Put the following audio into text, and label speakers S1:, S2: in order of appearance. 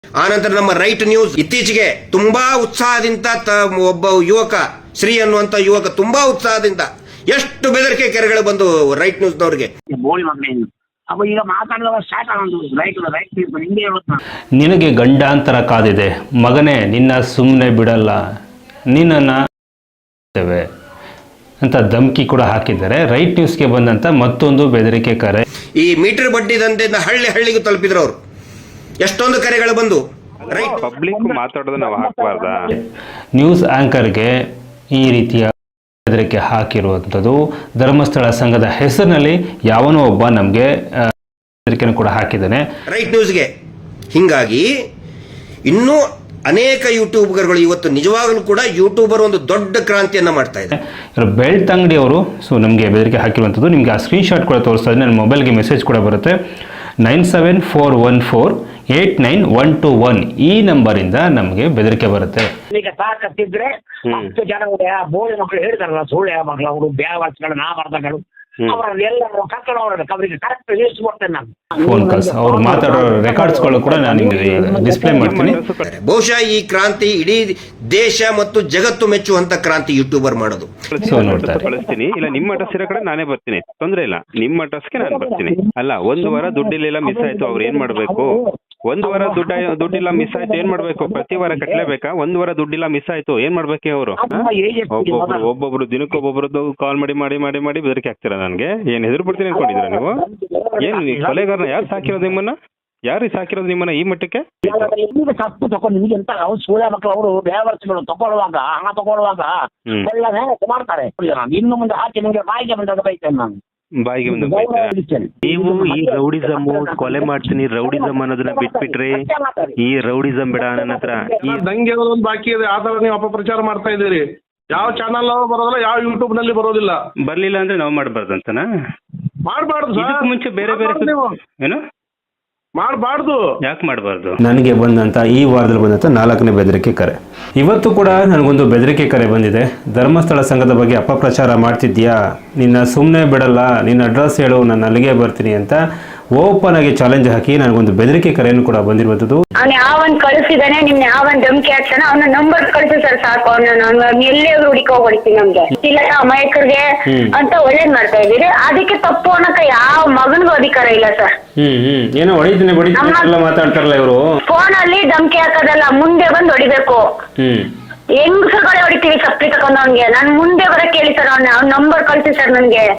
S1: ಆನಂತರ ನಮ್ಮ right news ಇತ್ತೀಚೆಗೆ ತುಂಬಾ ಉತ್ಸಾಹದಿಂದ ಒಬ್ಬ ಯುವಕ ಶ್ರೀ ಅನ್ನುವಂತ ಯುವಕ ತುಂಬಾ ಉತ್ಸಾಹದಿಂದ ಎಷ್ಟು ಬೆದರಿಕೆ ಕೆರೆಗಳು ಬಂದು ರೈಟ್ ನ್ಯೂಸ್ನವ್ರಿಗೆ.
S2: ನಿನಗೆ ಗಂಡಾಂತರ ಕಾದಿದೆ ಮಗನೇ, ನಿನ್ನ ಸುಮ್ಮನೆ ಬಿಡಲ್ಲ, ನಿನ್ನನ್ನು ಅಂತ ಧಮಕಿ ಕೂಡ ಹಾಕಿದ್ದಾರೆ. ರೈಟ್ ನ್ಯೂಸ್ಗೆ ಬಂದಂತ ಮತ್ತೊಂದು ಬೆದರಿಕೆ ಕರೆ.
S1: ಈ ಮೀಟರ್ ಬಡ್ಡಿ ದಂಧೆಯಿಂದ ಹಳ್ಳಿಗೂ ತಲುಪಿದ್ರು ಅವರು. ಎಷ್ಟೊಂದು ಕರೆಗಳು ಬಂದು ರೈಟ್
S3: ಪಬ್ಲಿಕ್ ಮಾತಾಡೋದು ನಾವು ಹಾಕಬಾರ್ದ.
S2: ನ್ಯೂಸ್ ಆಂಕರ್ಗೆ ಈ ರೀತಿಯ ಬೆದರಿಕೆ ಹಾಕಿರುವಂಥದ್ದು ಧರ್ಮಸ್ಥಳ ಸಂಘದ ಹೆಸರಿನಲ್ಲಿ ಯಾವನೋ ಒಬ್ಬ ನಮಗೆ ಬೆದರಿಕೆಯನ್ನು ಕೂಡ ಹಾಕಿದ್ದಾನೆ
S1: ರೈಟ್ ನ್ಯೂಸ್ಗೆ. ಹಿಂಗಾಗಿ ಇನ್ನೂ ಅನೇಕ ಯೂಟ್ಯೂಬರ್ಗಳು ಇವತ್ತು ನಿಜವಾಗಲೂ ಕೂಡ ಯೂಟ್ಯೂಬರ್ ಒಂದು ದೊಡ್ಡ ಕ್ರಾಂತಿಯನ್ನ ಮಾಡ್ತಾ ಇದ್ದಾರೆ.
S2: ಬೆಳ್ತಂಗಡಿ ಅವರು ನಮಗೆ ಬೆದರಿಕೆ ಹಾಕಿರುವಂಥದ್ದು. ನಿಮಗೆ ಆ ಸ್ಕ್ರೀನ್ಶಾಟ್ ಕೂಡ ತೋರಿಸ್ತಾ ಇದ್ದೀನಿ. ನನ್ನ ಮೊಬೈಲ್ಗೆ ಮೆಸೇಜ್ ಕೂಡ ಬರುತ್ತೆ. 9741489121 ಈ ನಂಬರಿಂದ ನಮಗೆ ಬೆದರಿಕೆ ಬರುತ್ತೆ.
S4: ಈಗ ತಾಕತ್ತಿದ್ರೆ 10 ಜನ ಬೋಳಿ ಮಕ್ಕಳು ಹೇಳ್ತಾರಲ್ಲ, ಸುಳ್ಳು ಮಕ್ಕಳು ಅವರು ಬ್ಯಾವರ್ಸ್ಗಳು ನಾಮರ್ದಗಳು ಅವರೆಲ್ಲ ಕರ್ಕೊಂಡು ಅವರಿಗೆ ಕರೆಕ್ಟ್ ಲಿಸ್ಟ್ ಕೊಡ್ತೇನೆ ನಾನು.
S2: ಫೋನ್ ಕಾಲ್ಸ್ ಅವ್ರು ಮಾತಾಡೋ ರೆಕಾರ್ಡ್ಸ್ಗಳು ಕೂಡ ನಾನು ನಿಮಗೆ ಡಿಸ್ಪ್ಲೇ ಮಾಡ್ತೀನಿ.
S1: ಬಹುಶಃ ಈ ಕ್ರಾಂತಿ ಇಡೀ ದೇಶ ಮತ್ತು ಜಗತ್ತು ಮೆಚ್ಚುವಂತ ಕ್ರಾಂತಿ ಯೂಟ್ಯೂಬರ್ ಮಾಡೋದು.
S3: ಕಳಿಸ್ತೀನಿ, ಇಲ್ಲ ನಿಮ್ಮ ಅಡ್ರೆಸ್ ಇರೋ ಕಡೆ ನಾನೇ ಬರ್ತೀನಿ, ತೊಂದ್ರೆ ಇಲ್ಲ. ನಿಮ್ಮ ಅಡ್ರೆಸ್ಗೆ ನಾನು ಬರ್ತೀನಿ. ಅಲ್ಲ, ಒಂದು ವಾರ ದುಡ್ಡಿಲ್ಲ ಮಿಸ್ ಆಯ್ತು, ಅವ್ರು ಏನ್ ಮಾಡ್ಬೇಕು? ಒಂದು ವಾರ ದುಡ್ಡಿಲ್ಲ ಮಿಸ್ ಆಯ್ತು ಏನ್ ಮಾಡ್ಬೇಕು? ಪ್ರತಿ ವಾರ ಕಟ್ಲೇಬೇಕಾ? ಒಂದು ವಾರ ದುಡ್ಡಿಲ್ಲ ಮಿಸ್ ಆಯ್ತು ಏನ್ ಮಾಡ್ಬೇಕು? ಅವರು ಒಬ್ಬೊಬ್ರು ದಿನಕ್ಕೊಬ್ಬೊಬ್ರದ್ದು ಕಾಲ್ ಮಾಡಿ ಮಾಡಿ ಮಾಡಿ ಮಾಡಿ ಬೆದರಿಕೆ ಹಾಕ್ತೀರಾ ನನ್ಗೆ. ಏನ್ ಹೆದರ್ ಬಿಡ್ತೀನಿ ಅನ್ಕೊಂಡಿದ್ದೀರಾ ನೀವು? ಏನ್ ಕೊಲೆಗಾರನ ಯಾರು ಸಾಕಿರೋದು ನಿಮ್ಮನ್ನ? ಯಾರು ಸಾಕಿರೋದು ನಿಮ್ಮನ್ನ ಈ ಮಟ್ಟಕ್ಕೆ?
S4: ತಪ್ಪು ತಗೊಂಡು ನಿಮ್ಗೆ ಎಂತ ಸೂಳ್ಯ ಮಕ್ಕಳು ಅವರು ವ್ಯವಸ್ಥೆಗಳು ತಗೊಳ್ಳುವಾಗ ಹಣ ತಗೊಳ್ಳುವಾಗ ಎಲ್ಲ ಮಾಡ್ತಾರೆ. ಇನ್ನು ಮುಂದೆ ಹಾಕಿ ನಿಮ್ಗೆ ಬಾಯಿಗೆ ಬಂದಾಗ ಬೈತೇನೆ ನಾನು.
S3: ಬಾಯಿಗೆ ಒಂದು ನೀವು ಈ ರೌಡಿಸಮ್ ಕೊಲೆ ಮಾಡ್ತೀನಿ ರೌಡಿಸಮ್ ಅನ್ನೋದನ್ನ ಬಿಟ್ಬಿಟ್ರಿ. ಈ ರೌಡಿಸಮ್ ಬೇಡ ನನ್ನ ಹತ್ರ.
S5: ಈ ದಂಗೆ ಒಂದು ಬಾಕಿ ಇದೆ, ಆ ತರ ನೀವು ಅಪಪ್ರಚಾರ ಮಾಡ್ತಾ ಇದ್ದೀರಿ. ಯಾವ ಚಾನಲ್ ಬರೋದಿಲ್ಲ, ಯಾವ ಯೂಟ್ಯೂಬ್ ನಲ್ಲಿ ಬರೋದಿಲ್ಲ.
S3: ಬರ್ಲಿಲ್ಲ ಅಂದ್ರೆ ನಾವು ಮಾಡಬಾರ್ದು ಅಂತನಾ?
S5: ಮಾಡಬಾರ್ದು.
S3: ಇದಕ್ಕೂ ಮುಂಚೆ ಬೇರೆ ಬೇರೆ ಏನು
S5: ಮಾಡಬಾರ್ದು.
S3: ಯಾಕೆ ಮಾಡಬಾರ್ದು?
S2: ನನಗೆ ಬಂದಂತ ಈ ವಾರದಲ್ಲಿ ಬಂದಂತ 4ನೇ ಬೆದರಿಕೆ ಕರೆ. ಇವತ್ತು ಕೂಡ ನನಗೊಂದು ಬೆದರಿಕೆ ಕರೆ ಬಂದಿದೆ. ಧರ್ಮಸ್ಥಳ ಸಂಘದ ಬಗ್ಗೆ ಅಪಪ್ರಚಾರ ಮಾಡ್ತಿದ್ಯಾ, ನಿನ್ನ ಸುಮ್ಮನೆ ಬಿಡಲ್ಲ, ನಿನ್ನ ಅಡ್ರೆಸ್ ಹೇಳು, ನಾನು ಅಲ್ಲಿಗೆ ಬರ್ತೀನಿ ಅಂತ ಓಪನ್ ಆಗಿ ಚಾಲೆಂಜ್ ಹಾಕಿ ನನಗೊಂದು ಬೆದರಿಕೆ ಕರೆಯನ್ನು ಕೂಡ ಬಂದಿರುವಂಥದ್ದು.
S6: ಅವ್ನು ಯಾವನ್ ಕಳಿಸಿದಾನೆ, ನಿಮ್ನ ಯಾವನ್ ಧಮಕಿ ಹಾಕ್ತಾನೆ ಅವನ ನಂಬರ್ ಕಳಿಸಿ ಸರ್ ಸಾಕು. ಅವ್ನ ಎಲ್ಲೇ ಹುಡುಕಿ ಹೊಡಿತೀನಿ ನಮ್ಗೆ ಇಲ್ಲ ಅಮಾಯಕರಿಗೆ ಅಂತ ಒಳ್ಳೇದ್ ಮಾಡ್ತಾ ಇದೀರಿ. ಅದಕ್ಕೆ ತಪ್ಪು ಅನ್ನಕ ಯಾವ ಮಗನ್ಗೂ ಅಧಿಕಾರ ಇಲ್ಲ ಸರ್.
S2: ಏನೋ ಹೊಡಿತೀನಿ ಮಾತಾಡ್ತಾರಲ್ಲ ಇವರು.
S6: ಫೋನ್ ಅಲ್ಲಿ ಧಮಕಿ ಹಾಕೋದಲ್ಲ, ಮುಂದೆ ಬಂದು ಹೊಡಿಬೇಕು. ಹೆಂಗಸಗಳೇ ಹೊಡಿತೀವಿ ಸಪ್ಲಿ ತಗೊಂಡವನ್ಗೆ. ನಾನ್ ಮುಂದೆ ಬರಕ್ ಹೇಳಿ ಸರ್, ಅವ್ನ ನಂಬರ್ ಕಳಿಸಿ ಸರ್ ನನ್ಗೆ.